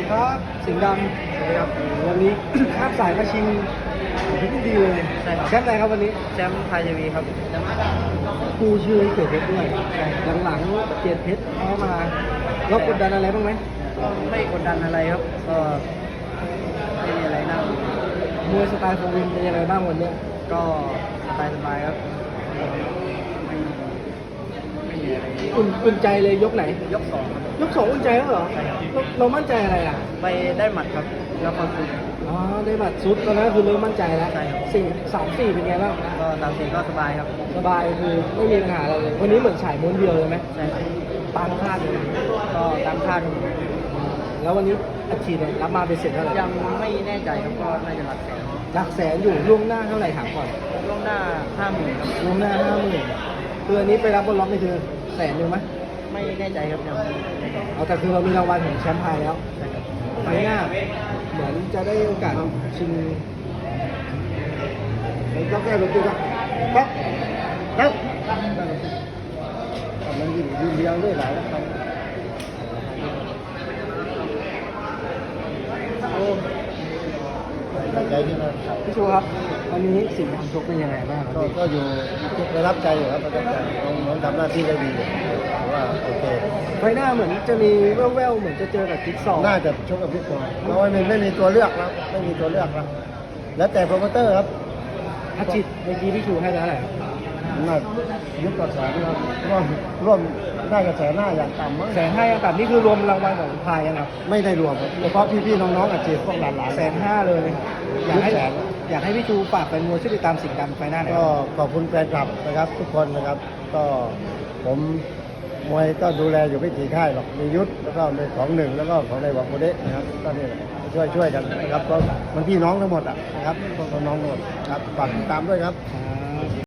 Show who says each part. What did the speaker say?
Speaker 1: ดีครับสิงห์ดำ
Speaker 2: สวัสดีครับ
Speaker 1: วันนี้ ข้ามสายมาชิงที่ดีเลย
Speaker 2: ใช่ครับ
Speaker 1: แชมป์อะไรครับวันนี้
Speaker 2: แชมป์ไทยทีวีครับแชมป์
Speaker 1: กูชื่อเกียรติเพชรด้วยหลังๆเกียรติเพชรเข้ามาเรากดดันอะไรบ้างไหม
Speaker 2: ก็ไม่กดดันอะไรครับ ก็ไม่มีอะไรน่าม
Speaker 1: วยสไตล์โฟวินเป็นยังไงบ้างวันนี้
Speaker 2: ก็สบายๆครับไม่มีอะไร
Speaker 1: อุ่นใจเลยยกไหน
Speaker 2: ยกสองครับ
Speaker 1: ยกสองอุ่นใจแล้วเหรอ
Speaker 2: ใช่ครับ
Speaker 1: เรามั่นใจอะไรอ่ะ
Speaker 2: ไปได้หมัดครับ แล้วก็คือ
Speaker 1: อ๋อได้บัตรซุดตอนนั้นคือเริ่มมั่นใจแล้ว
Speaker 2: ใช่ครับ
Speaker 1: 3-4เป็นไงบ้าง
Speaker 2: ก็ตามสีก็สบายครับ
Speaker 1: สบายคือไม่มีปัญหาอะไรเลยวันนี้เหมือนฉายม้วนเดียวเลยไหม
Speaker 2: ใช่ครับ
Speaker 1: ตามคาดเลย
Speaker 2: ก็ตามคาด
Speaker 1: แล้ววันนี้อัดฉีดเนี่ยรับมาเป็นเสร็จเท่าไหร่
Speaker 2: ยังไม่แน่ใจครับก็น่าจะหลักแสน
Speaker 1: หลักแสนอยู่ล่วงหน้าเท่าไหร่ถามก่อน
Speaker 2: ล่วงหน้า50,000ครับ
Speaker 1: ล่วงหน้า50,000คืออันนี้ไปรับบนล็อกนี่คือแสนหนึ่งไหม
Speaker 2: ไม่แน่ใจครับยังไม่แน่ใจ
Speaker 1: เอาแต่คือเรามีรางวัลของแชมป์ไทยแล้ว
Speaker 2: ใช่ครับ
Speaker 1: ไฟล์หน้าเหมือนจะได้โอกาสชิงต้องแก้รถตู้ครับครับมันยืนเดียวด้วยหลายแล้วครับโอ้
Speaker 3: ใจที่เรา
Speaker 1: พี่ชูครับวันนี้สิ่งทำชกเป็นยังไงบ้างครับพี่
Speaker 3: ก็อยู่ประทับใจอยู่ครับประทับใจน้องทำหน้าที่ได้ดีถือว่าโอเค
Speaker 1: ไฟล์หน้าเหมือนจะมีแว่วๆเหมือนจะเจอกับจิ๊กซอว์
Speaker 3: น่าจะชกกับพี่ปอเพราะว่าไม่มีตัวเลือกแล้วไม่มีตัวเลือกแล้วแล้วแต่โปรโมเตอร์ครับ
Speaker 1: อาชิตเมื่อกี้พี่ชูให้เท่าไหร่
Speaker 3: น่ายุบกับแสนครับร่วมได้กับแสนหน้าอย่างต่ำมั้ง
Speaker 1: 150,000ยังต่ำนี่คือรวมรางวัลของพายยังครับ
Speaker 3: ไม่ได้รวมครับเฉพาะพี่ๆน้องๆอาชีพพวกหลานๆ
Speaker 1: 150,000เลยอยากให้
Speaker 3: 100,000
Speaker 1: อยากให้พี่ชูฝากแฟนมวยช่วยติดตามสิ่งดำไฟหน้าหน่อยค
Speaker 3: ก็
Speaker 1: รับ
Speaker 3: ขอบคุณแฟนคลับนะครับ ทุกคนนะครับ ก็ผมมวยก็ดูแลอยู่ไม่กี่ค่ายหรอกมียุทธแล้วก็ในของหนึ่งแล้วก็ของในหวังโมเดะนะครับก็นี่แหละช่วยกันนะครับเพราะมันพี่น้องทั้งหมดอ่ะนะครับพวกน้องทั้งหมดครับฝากติดตามด้วยครับ